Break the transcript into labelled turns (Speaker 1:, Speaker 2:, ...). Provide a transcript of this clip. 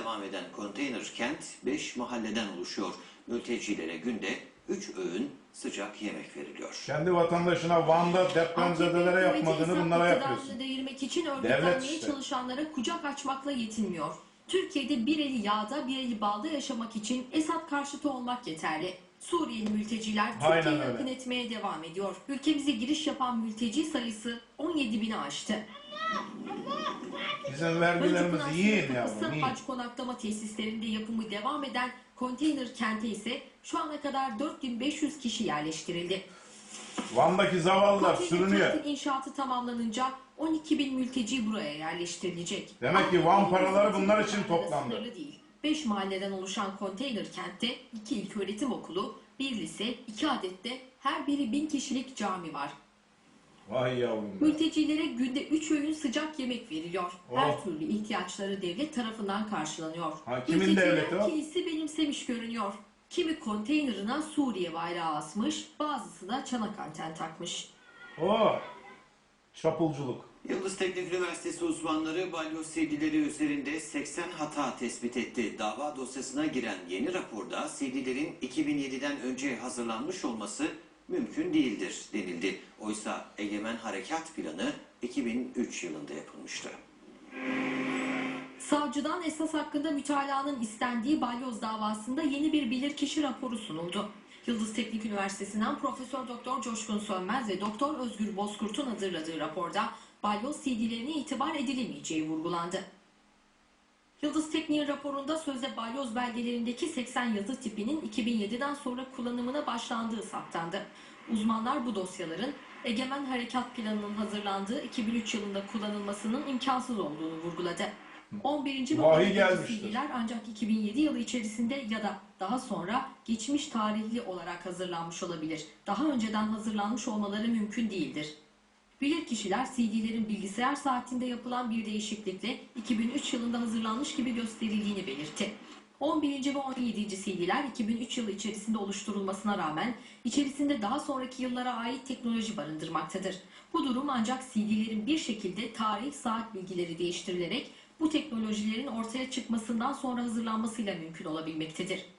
Speaker 1: devam eden konteyner kent 5 mahalleden oluşuyor. Mültecilere günde 3 öğün sıcak yemek veriliyor.
Speaker 2: Kendi vatandaşına Van'da depremzedelere yapmadığını bunlara yapıyorsun.
Speaker 3: Değirmek için örgütlenmeye
Speaker 2: işte
Speaker 3: çalışanlara kucak açmakla yetinmiyor. Türkiye'de bir eli yağda bir eli balda yaşamak için Esad karşıtı olmak yeterli. Suriyeli mülteciler Türkiye'ye akın etmeye devam ediyor. Ülkemize giriş yapan mülteci sayısı 17.000'i aştı.
Speaker 2: Bizim vergilerimizi yiyin ya.
Speaker 3: Haç konaklama tesislerinde yapımı devam eden konteyner kente ise şu ana kadar 4500 kişi yerleştirildi.
Speaker 2: Van'daki zavallılar sürünüyor.
Speaker 3: Kentin inşaatı tamamlanınca 12.000 mülteci buraya yerleştirilecek.
Speaker 2: Demek ki Van paraları bunlar için toplandı.
Speaker 3: Değil. 5 mahalleden oluşan konteyner kentte 2 ilköğretim okulu, 1 lise, 2 adet de her biri 1000 kişilik cami var.
Speaker 2: Vay yavrum.
Speaker 3: Mültecilere günde 3 öğün sıcak yemek veriliyor. Her türlü ihtiyaçları devlet tarafından karşılanıyor.
Speaker 2: Kimin devleti o?
Speaker 3: Kimisi benimsemiş görünüyor. Kimi konteynerına Suriye bayrağı asmış, bazısı da çanak anten takmış.
Speaker 2: Çapulculuk.
Speaker 1: Yıldız Teknik Üniversitesi uzmanları balyoz CD'leri üzerinde 80 hata tespit etti. Dava dosyasına giren yeni raporda CD'lerin 2007'den önce hazırlanmış olması mümkün değildir denildi. Oysa Egemen Harekat Planı 2003 yılında yapılmıştı.
Speaker 3: Savcıdan esas hakkında mütalaanın istendiği balyoz davasında yeni bir bilirkişi raporu sunuldu. Yıldız Teknik Üniversitesi'nden Profesör Doktor Coşkun Sönmez ve Doktor Özgür Bozkurt'un hazırladığı raporda balyoz CD'lerine itibar edilemeyeceği vurgulandı. Yıldız Teknik'in raporunda sözde balyoz belgelerindeki 80 yazı tipinin 2007'den sonra kullanımına başlandığı saptandı. Uzmanlar bu dosyaların Egemen Harekat Planı'nın hazırlandığı 2003 yılında kullanılmasının imkansız olduğunu vurguladı. 11. ve 12. CD'ler ancak 2007 yılı içerisinde ya da daha sonra geçmiş tarihli olarak hazırlanmış olabilir. Daha önceden hazırlanmış olmaları mümkün değildir. Bilirkişiler CD'lerin bilgisayar saatinde yapılan bir değişiklikle 2003 yılında hazırlanmış gibi gösterildiğini belirtti. 11. ve 17. CD'ler 2003 yılı içerisinde oluşturulmasına rağmen içerisinde daha sonraki yıllara ait teknoloji barındırmaktadır. Bu durum ancak CD'lerin bir şekilde tarih, saat bilgileri değiştirilerek bu teknolojilerin ortaya çıkmasından sonra hazırlanmasıyla mümkün olabilmektedir.